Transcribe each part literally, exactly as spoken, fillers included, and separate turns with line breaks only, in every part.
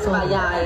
ฝ่ายใหญ่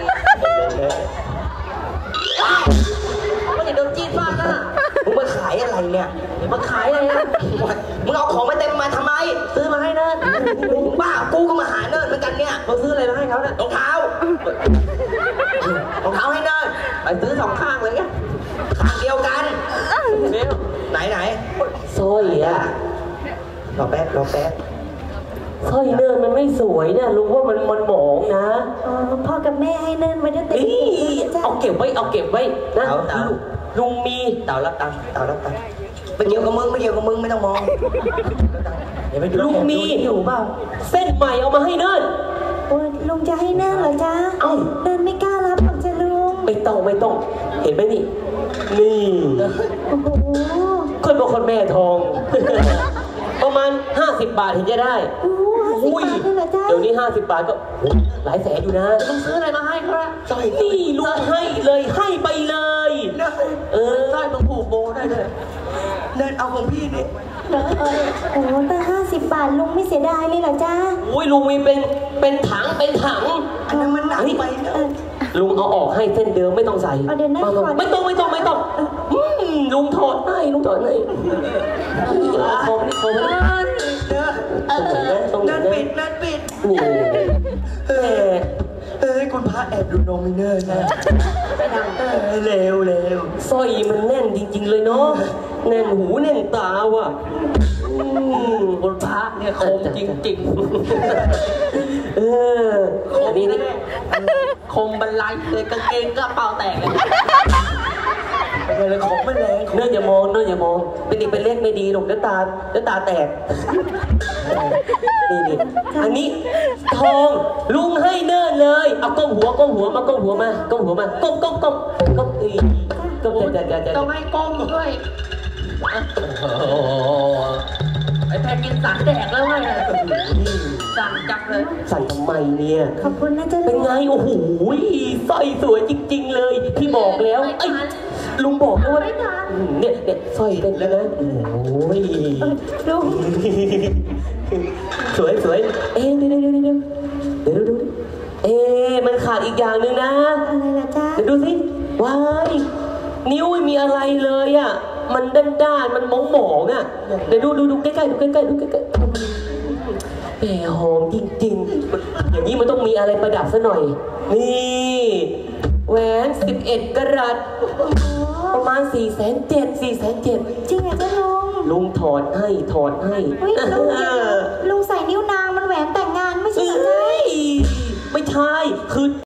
ไม่ได้โดนจีนฟาดนะมึงมาขายอะไรเนี่ยมาขายอะไรนะมึงเอาของมาเต็มมาทำไมซื้อมาให้เนิร์ดบ้ากูก็มาหาเนิร์ดเหมือนกันเนี่ยเราซื้ออะไรมาให้เขาเนี่ยรองเท้ารองเท้าให้เนิร์ดไปซื้อสองข้างเลยข้างเดียวกันไหนไหนสร้อยอ่ะรอแป๊บรอแป๊บสร้อยเนิร์ดมันไม่สวยเนี่ยลุงว่ามันมันหมองนะอ๋อพ่อกับแม่ให้เนิร์ดไว้ตั้งแต่เอาเก็บไว้เอาเก็บไว้นะลุงมีเต่ารับตังค์เต่ารับตังค์ไม่เกี่ยวกับมึงไม่เกี่ยวกับมึงไม่ต้องมองลุงมีอยู่เปล่าเส้นใหม่เอามาให้เนิร์ดลุงจะให้เนิร์ดเหรอจ๊ะเอ้าเนิร์ดไม่กล้ารับหรอกจ้ะลุงไม่ต้องไม่ต้องเห็นไหมนี่นี่โอ้โหคนบอกคนแม่ทองประมาณห้าสิบบาทถึงจะได้อุ้ยเดี๋ยวนี้ห้าสิบบาทก็หลายแสนอยู่นะต้องซื้ออะไรมาให้ครับสร้อยนี่ลุงให้เลยให้ไปเลยเออสร้อยต้องผูกโบได้เลยเนิร์ดเอาของพี่นี่โอ้แต่ห้าสิบบาทลุงไม่เสียดายเลยเหรอจ๊ะอุ้ยลุงมีเป็นเป็นถังเป็นถังอันนั้นมันหนักไปลุงเอาออกให้เส้นเดิมไม่ต้องใส่ไม่ต้องไม่ต้องไม่ต้องไม่ต้องลุงถอดให้ลุงถอดให้คอมนี่คอมนี่ตรงนี้นั่นปิดนั่นปิดนี่เออเอ้ยคุณพระแอบดูนมิเนอร์นะเร็วเร็วสร้อยมันแน่นจริงๆเลยเนาะแน่นหูแน่นตาว่ะคุณพระเนี่ยคมจริงๆเอออันนี้นี่คมบรรลัยเลยกางเกงก็เป่าแตกเลยเลยของไม่แรงเนื่ออย่ามองเนื่ออย่ามองเป็นเด็กเป็นเล็กไม่ดีหรอกเดี๋ยวตาเดี๋ยวตาแตกนี่นี่อันนี้ทองลุงให้เนิ่นเลยเอาก้มหัวก้มหัวมาก้มหัวมาก้มหัวมาก้มก้มก้มก้มอีก้มจะจะจะต้องให้ก้มด้วยไอ้แพงกินสั่นแดกแล้วไงสั่นจับเลยสั่นทำไมเนี่ยขอบคุณนะเจ้าเป็นไงโอ้โหสร้อยสวยจริงๆเลยพี่บอกแล้วไอ้ลุงบอกด้วยเนี่ยเนี่ยสร้อยเป็นแล้วนะโอ้ยลุงสวยสวยเอ๊ะเดี๋ยวเดี๋ยวเดี๋ยวเดี๋ยวดูเอ๊ะมันขาดอีกอย่างหนึ่งนะอะไรล่ะจ๊ะเดี๋ยวดูสิว้ายนิ้วไม่มีอะไรเลยอ่ะมันด้านด้านมันมองหมองอ่ะเดี๋ยวดูดูดูใกล้ๆดูใกล้ๆดูใกล้ๆแหมหอมจริงๆอย่างนี้มันต้องมีอะไรประดับซะหน่อยนี่แหวนสิบเอ็ดกะรัตประมาณสี่แสนเจ็ดสี่แสนเจ็ดจริงเหรอจ๊ะลุงลุงถอดให้ถอดให้ลุงลุงใส่นิ้วนางมันแหวนแต่งงานไม่ใช่เหรอจ๊ะไม่ใช่คือ